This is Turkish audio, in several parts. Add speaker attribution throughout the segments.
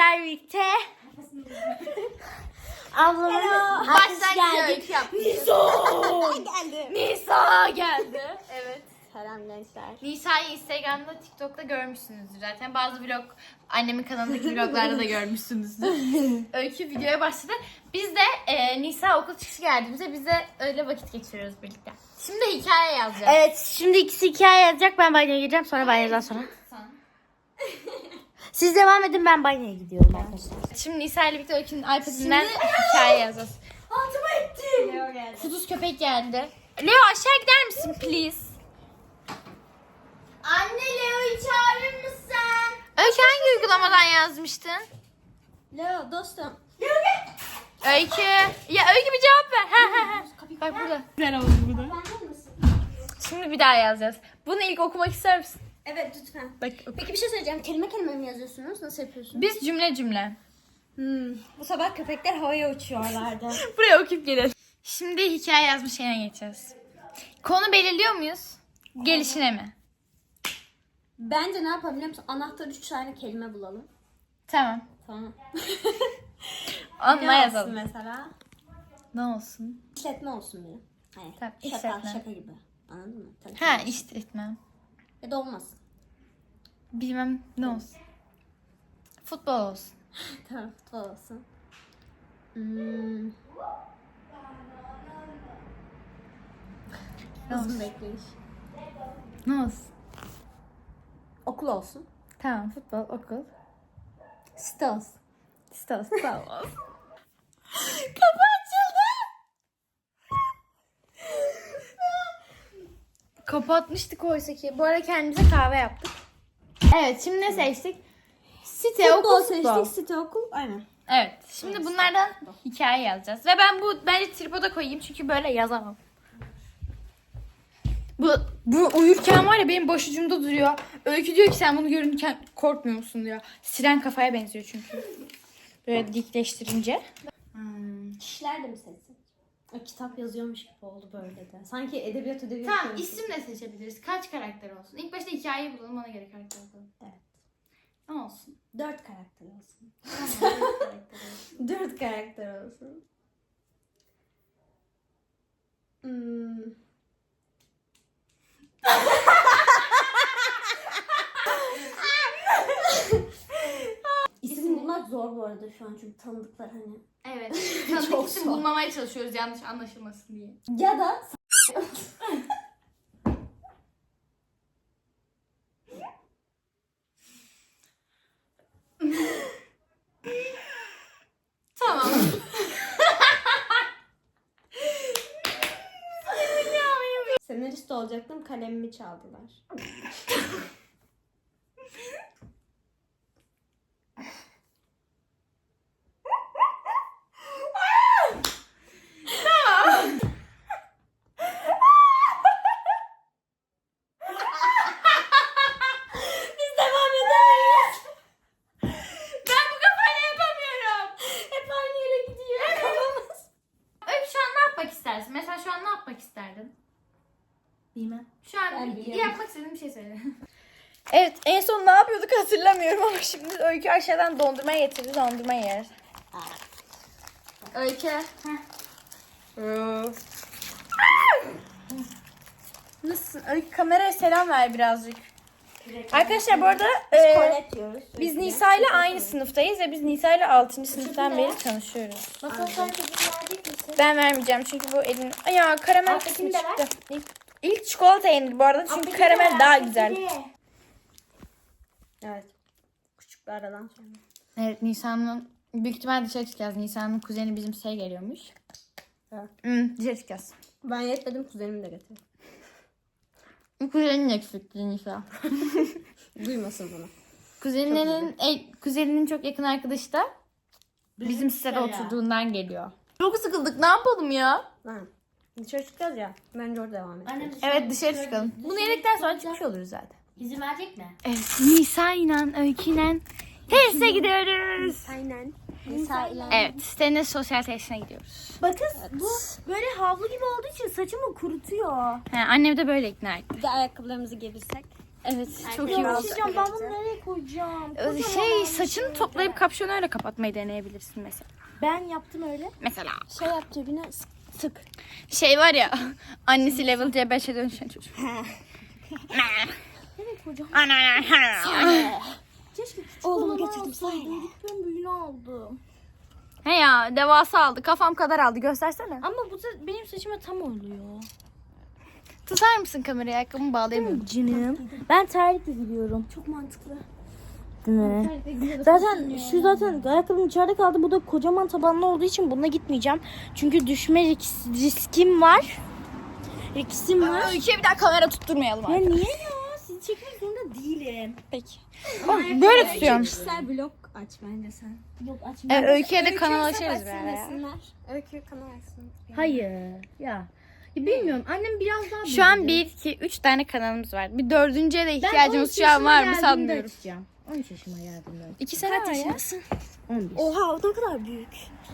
Speaker 1: sizlerle birlikte ablamın başlangıç yaptık. Nisa geldi. Evet.
Speaker 2: Selam gençler.
Speaker 1: Nisa'yı Instagram'da, TikTok'ta görmüşsünüzdür zaten. Bazı vlog, annemin kanalındaki vloglarda da görmüşsünüzdür. Öykü videoya başladı. Biz de Nisa okul çıkışı geldiğimizde biz de öyle vakit geçiriyoruz birlikte. Şimdi hikaye yazacağız.
Speaker 2: Evet, şimdi ikisi hikaye yazacak. Ben banyoya gireceğim, sonra banyodan sonra. Siz devam edin, ben banyoya gidiyorum arkadaşlar.
Speaker 1: Şimdi Nisa ile birlikte Öykü'nün iPad'inden hikaye yazacağız.
Speaker 2: Altıma ettim.
Speaker 1: Leo geldi. Kuduz köpek geldi. Leo aşağı gider misin please?
Speaker 2: Anne, Leo'yu çağırır mısın?
Speaker 1: Öykü hangi uygulamadan yazmıştın?
Speaker 2: Leo dostum.
Speaker 1: Öykü. Ya Öykü bir cevap ver. Bak burada. Güzel oldu burada.
Speaker 2: Benden misin?
Speaker 1: Şimdi bir daha yazacağız. Bunu ilk okumak ister misin?
Speaker 2: Evet, lütfen.
Speaker 1: Bak
Speaker 2: Peki bir şey söyleyeceğim. Kelime kelime mi yazıyorsunuz? Nasıl yapıyorsunuz?
Speaker 1: biz cümle cümle.
Speaker 2: Bu sabah köpekler havaya uçuyorlardı.
Speaker 1: Buraya okuyup gelelim. Şimdi hikaye yazmış yerine geçeceğiz. Konu belirliyor muyuz? Gelişine mi?
Speaker 2: Bence ne yapalım biliyor musun? Anahtar 3 tane kelime bulalım.
Speaker 1: Tamam.
Speaker 2: Tamam.
Speaker 1: Onunla
Speaker 2: Ne
Speaker 1: yazalım.
Speaker 2: olsun mesela?
Speaker 1: Ne olsun?
Speaker 2: İşletme olsun diye. Hayır.
Speaker 1: Tamam,
Speaker 2: Şaka,
Speaker 1: işletme.
Speaker 2: şaka gibi. Anladın mı? Tabii.
Speaker 1: Ha işte etmem.
Speaker 2: Ya da olmasın.
Speaker 1: Bilmem ne olsun. Futbol olsun.
Speaker 2: Tamam, futbol olsun.
Speaker 1: Ne
Speaker 2: Uzun
Speaker 1: olsun?
Speaker 2: bekleyiş.
Speaker 1: Ne olsun?
Speaker 2: Okul olsun.
Speaker 1: Tamam futbol, okul.
Speaker 2: Site olsun.
Speaker 1: Stos, tamam. Kapı açıldı. Kapatmıştık oysa ki. Bu ara kendimize kahve yaptık. Evet, şimdi ne seçtik? Site, okul, futbol.
Speaker 2: site, okul. Aynen.
Speaker 1: Evet, şimdi bunlardan hikaye yazacağız. Ve ben bence tripoda koyayım çünkü böyle yazamam. Bu uyurken var ya benim başucumda duruyor. Öykü diyor ki sen bunu görürken korkmuyor musun diyor. Siren kafaya benziyor çünkü. Böyle dikleştirince.
Speaker 2: Kişiler de mi seçsin? O kitap yazıyormuş gibi oldu böyle de. Sanki edebiyat
Speaker 1: Tamam,
Speaker 2: yazıyormuş.
Speaker 1: isim de seçebiliriz. Kaç karakter olsun? İlk başta hikayeyi bulalım, ona göre karakter bulalım.
Speaker 2: Evet.
Speaker 1: Ne olsun?
Speaker 2: 4 karakter olsun.
Speaker 1: Tamam, 4 karakter olsun.
Speaker 2: 4 karakter olsun. İsim bulmak zor bu arada şu an çünkü tanıdıklar hani.
Speaker 1: Evet. Tanıdık
Speaker 2: Çok
Speaker 1: isim
Speaker 2: zor.
Speaker 1: bulmamaya çalışıyoruz yanlış anlaşılmasın diye.
Speaker 2: Ya da
Speaker 1: Tamam.
Speaker 2: senarist olacaktım, kalemimi çaldılar. Biz devam edemeyiz.
Speaker 1: Ben bu kafayla yapamıyorum.
Speaker 2: Hep aynı yere gidiyor. Kafamız.
Speaker 1: Öykü şu an ne yapmak istersin? Mesela şu an ne yapmak isterdin?
Speaker 2: Bilmem.
Speaker 1: Şu an
Speaker 2: Ben biliyorum.
Speaker 1: yapmak istediğin bir şey söyle. Evet, en son ne yapıyorduk hatırlamıyorum ama şimdi Öykü aşağıdan dondurma getirdi, dondurma yer. Öykü. Nasılsın? Öykü kameraya selam ver birazcık. Arkadaşlar bu arada
Speaker 2: Tuvalet diyoruz.
Speaker 1: biz Nisa ile aynı sınıftayız ve biz Nisa ile 6. sınıftan beri tanışıyoruz.
Speaker 2: Masal sen çocuğunu verecek misin?
Speaker 1: Ben vermeyeceğim çünkü bu elin... Ya karamel
Speaker 2: Alttakini
Speaker 1: kısmı
Speaker 2: de ver.
Speaker 1: çıktı. İlk çikolata yenir bu arada çünkü karamel daha güzel.
Speaker 2: Evet. Küçük bir aradan sonra.
Speaker 1: Evet, Nisan'ın büyük ihtimal dışarı çıkacağız. Nisan'ın kuzeni bizim geliyormuş.
Speaker 2: Evet.
Speaker 1: Dışarı çıkacağız.
Speaker 2: Ben yetmedim, kuzenimi de getir.
Speaker 1: Kuzenin eksikti Nisa.
Speaker 2: Duymasın bunu.
Speaker 1: Kuzeninin çok yakın arkadaşı da bizim sitede oturduğundan geliyor. Çok sıkıldık, ne yapalım ya?
Speaker 2: Ha. Dışarı çıkacağız ya. Bence orada devam edelim.
Speaker 3: Annem
Speaker 1: Evet, dışarı çıkalım. Bunu yedikten sonra çıkmış oluruz zaten.
Speaker 3: İzin verecek mi?
Speaker 1: Evet, Nisa'yla, Öykü'yle teste gidiyoruz.
Speaker 2: Aynen. Nisa ile.
Speaker 1: Evet, sitenin sosyal tesisine gidiyoruz.
Speaker 2: Bakın bu böyle havlu gibi olduğu için saçımı kurutuyor.
Speaker 1: He, annem de böyle ikna etti.
Speaker 2: Bir de ayakkabılarımızı giyebilsek.
Speaker 1: Evet çok iyi oldu.
Speaker 2: Ben bunu nereye koyacağım?
Speaker 1: Saçını toplayıp kapşonu öyle kapatmayı deneyebilirsin mesela.
Speaker 2: Ben yaptım öyle.
Speaker 1: Mesela.
Speaker 2: Şey yap cebine sık.
Speaker 1: Şey var ya, annesi level C5'e dönüşen çocuk.
Speaker 2: Evet hocam.
Speaker 1: Ana.
Speaker 2: Keşke
Speaker 3: Oğlumu getirdim sana.
Speaker 2: Ben büyüğünü aldım.
Speaker 1: He ya, devasa aldı. Kafam kadar aldı. Göstersene.
Speaker 2: Ama bu da benim saçıma tam oluyor.
Speaker 1: Tutar mısın kamerayı? Ayakkabımı bağlayamıyorum.
Speaker 2: Canım. Ben terlikle gidiyorum.
Speaker 3: Çok mantıklı.
Speaker 2: Değil mi? Zaten ayakkabım içeride kaldı. Bu da kocaman tabanlı olduğu için bununla gitmeyeceğim. Çünkü düşme riskim var. Riskim var.
Speaker 1: Öykü'ye bir daha kamera tutturmayalım
Speaker 2: Ya
Speaker 1: artık.
Speaker 2: niye ya? Sizi çekmek zorunda değilim.
Speaker 1: Peki. Böyle tutuyorum.
Speaker 3: Kişisel blog aç bence sen.
Speaker 2: Yok açmayayım.
Speaker 1: Öykü'ye de kanal açarız bir ara ya.
Speaker 3: Öykü kanal açsın.
Speaker 2: Hayır. Ya bilmiyorum. Annem biraz daha
Speaker 1: Şu an 1, 2, 3 tane kanalımız var. Bir dördüncüye de ihtiyacımız şu an var mı sanmıyorum.
Speaker 2: 13 yaşıma geldiğimde.
Speaker 1: 2 sene var ya.
Speaker 2: 11.
Speaker 3: Oha o ne kadar büyük.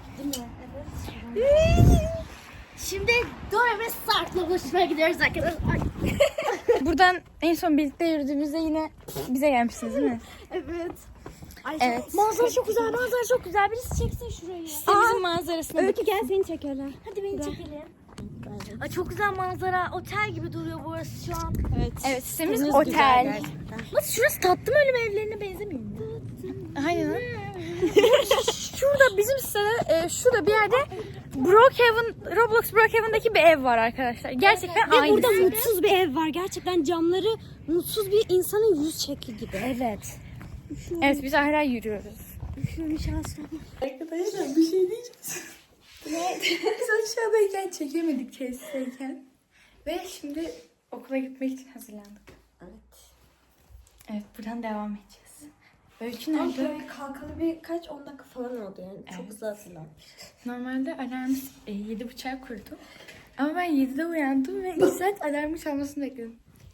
Speaker 2: Şimdi Dora ve Sarp'la buluşmaya gidiyoruz arkadaşlar.
Speaker 1: Buradan en son birlikte yürüdüğümüzde yine bize gelmişsiniz değil mi?
Speaker 3: Evet. Ay,
Speaker 1: Evet.
Speaker 2: Manzara çok güzel, manzara çok güzel. Birisi çeksin şurayı.
Speaker 1: İşte bizim manzarasına
Speaker 3: Öykü gel seni çekerler.
Speaker 2: Hadi beni çekelim. Ay çok güzel manzara. Otel gibi duruyor burası şu an.
Speaker 1: Evet, sitemiz otel.
Speaker 2: Nasıl şurası tatlı mı ölüm evlerine benzemiyor mu?
Speaker 1: Aynen. Şurada bizim sitede şurada bir yerde Roblox Brookhaven'daki bir ev var arkadaşlar. Gerçekten
Speaker 3: Ve
Speaker 1: aynı.
Speaker 3: burada mutsuz bir ev var. Gerçekten camları mutsuz bir insanın yüz şekli gibi.
Speaker 2: Evet.
Speaker 1: Evet, biz hala yürüyoruz.
Speaker 3: Şöyle şanslı.
Speaker 1: Arkadaşlar bir şey diyeceğiz. Biz aşağıdayken çekemedik tesisteyken. Ve şimdi okula gitmek için hazırlandık.
Speaker 3: Evet.
Speaker 1: Evet, buradan devam edeceğiz. Öykü nerede?
Speaker 3: Böyle kalkalı birkaç 10 dakika falan oldu yani. Çok hızlı hazırlanmış.
Speaker 1: Normalde alarmı 7.30'a kurdu. Ama ben 7'de uyandım ve 2 saat alarmı çalmasını bekledim.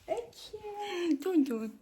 Speaker 1: Öykü.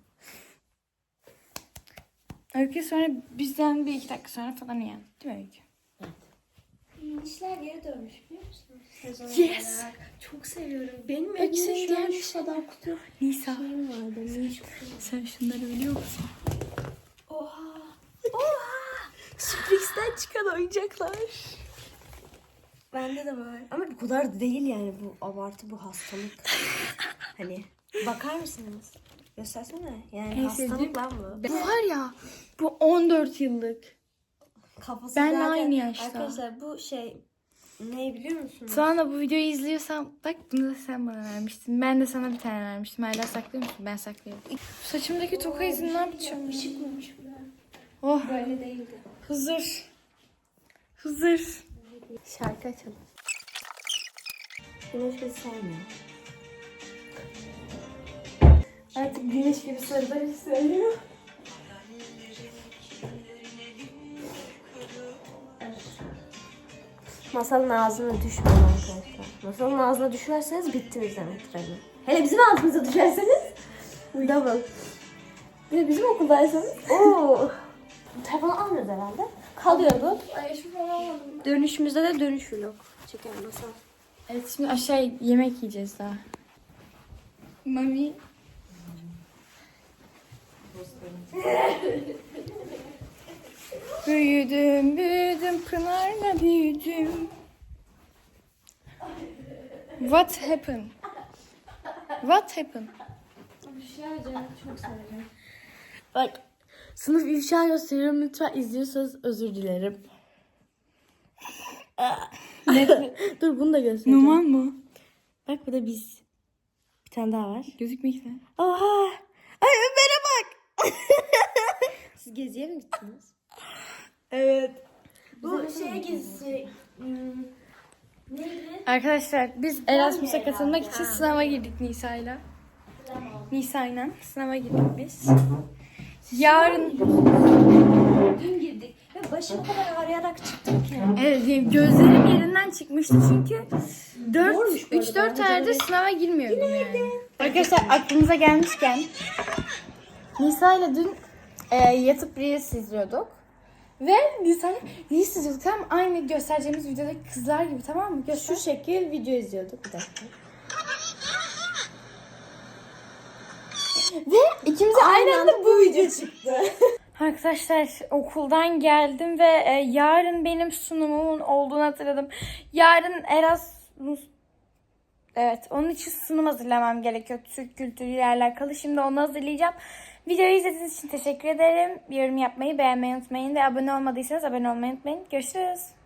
Speaker 1: Öykü sonra bizden bir 2 dakika sonra falan uyandı. Değil mi Öykü?
Speaker 3: İşler geri dönmüş biliyor musunuz? Sezon
Speaker 1: Yes.
Speaker 3: olarak. Çok seviyorum. Benim
Speaker 1: Öykü senin
Speaker 3: evimde şu an
Speaker 1: gelmiş.
Speaker 3: şu kadar kutu
Speaker 1: Nisa,
Speaker 3: şeyim vardı. Minş kutu.
Speaker 1: sen şunları biliyor musun?
Speaker 3: Oha.
Speaker 1: Sürprizden çıkan oyuncaklar.
Speaker 3: Bende de var. Ama bu kadar da değil yani, bu abartı, bu hastalık. Hani bakar mısınız? Göstersene. Yani
Speaker 1: En
Speaker 3: hastalık
Speaker 1: sevdiğim-
Speaker 3: lan bu.
Speaker 1: Bu var ya, bu 14 yıllık.
Speaker 3: Kafası
Speaker 1: Benle
Speaker 3: zaten-
Speaker 1: aynı yaşta.
Speaker 3: Arkadaşlar bu şey ne biliyor musunuz?
Speaker 1: Sonra bu videoyu izliyorsam, bak bunu da sen bana vermiştin. Ben de sana bir tane vermiştim. Hala saklıyor musun? Ben saklıyorum. Saçımdaki toka izini ne yapacağım?
Speaker 3: Işık koymuş buraya.
Speaker 1: Oh,
Speaker 3: Böyle değildi.
Speaker 1: Hızır. Hızır. Şarkı açalım.
Speaker 3: Güneş bizi sevmiyor.
Speaker 1: Artık güneş gibi sarıları söylüyor.
Speaker 3: Masalın ağzına düşmeyin arkadaşlar. Masalın ağzına düşerseniz bittiniz demektir hani. Hele bizim ağzımıza düşerseniz double.
Speaker 1: Bir de bizim okuldaysanız.
Speaker 3: Oo. Telefonu almıyoruz herhalde. Kalıyor bu.
Speaker 1: Ay şu falan almadım.
Speaker 3: Dönüşümüzde de dönüş vlog çeker Masal.
Speaker 1: Evet, şimdi aşağı yemek yiyeceğiz daha. Mami. Büyüdüm, büyüdüm, Pınar'la büyüdüm. What happened? What happened?
Speaker 3: Çok severim.
Speaker 2: Bak sınıf ifşa gösteriyorum. Lütfen izliyorsanız özür dilerim. Dur bunu da göstereceğim.
Speaker 1: Normal mı?
Speaker 2: Bak bu da biz. Bir tane daha var.
Speaker 1: Gözükmekte.
Speaker 2: Oha. Ay Ömer'e bak.
Speaker 3: Siz geziye mi gittiniz?
Speaker 2: Evet.
Speaker 3: Bu şeye gezisi.
Speaker 1: Arkadaşlar biz Erasmus'a katılmak için sınava girdik Nisa'yla. Nisa'yla sınava girdik biz. Yarın
Speaker 3: Dün girdik ve başım o kadar ağrıyarak çıktım ki.
Speaker 1: evet gözlerim yerinden çıkmıştı çünkü 3-4 aydır sınava girmiyordum yani. Arkadaşlar aklınıza gelmişken Nisa'yla dün yatıp Reels izliyorduk. Ve Nisa'yla Reels izliyorduk, tam aynı göstereceğimiz videodaki kızlar gibi, tamam mı?
Speaker 2: Şu şekil video izliyorduk bir dakika. Ve ikimize
Speaker 3: Aynı anda bu video çıktı.
Speaker 2: Arkadaşlar okuldan geldim ve yarın benim sunumumun olduğunu hatırladım. Yarın Erasmus... Evet, onun için sunum hazırlamam gerekiyor. Türk kültürüyle alakalı. Şimdi onu hazırlayacağım. Videoyu izlediğiniz için teşekkür ederim. Bir yorum yapmayı, beğenmeyi unutmayın ve abone olmadıysanız abone olmayı unutmayın. Görüşürüz.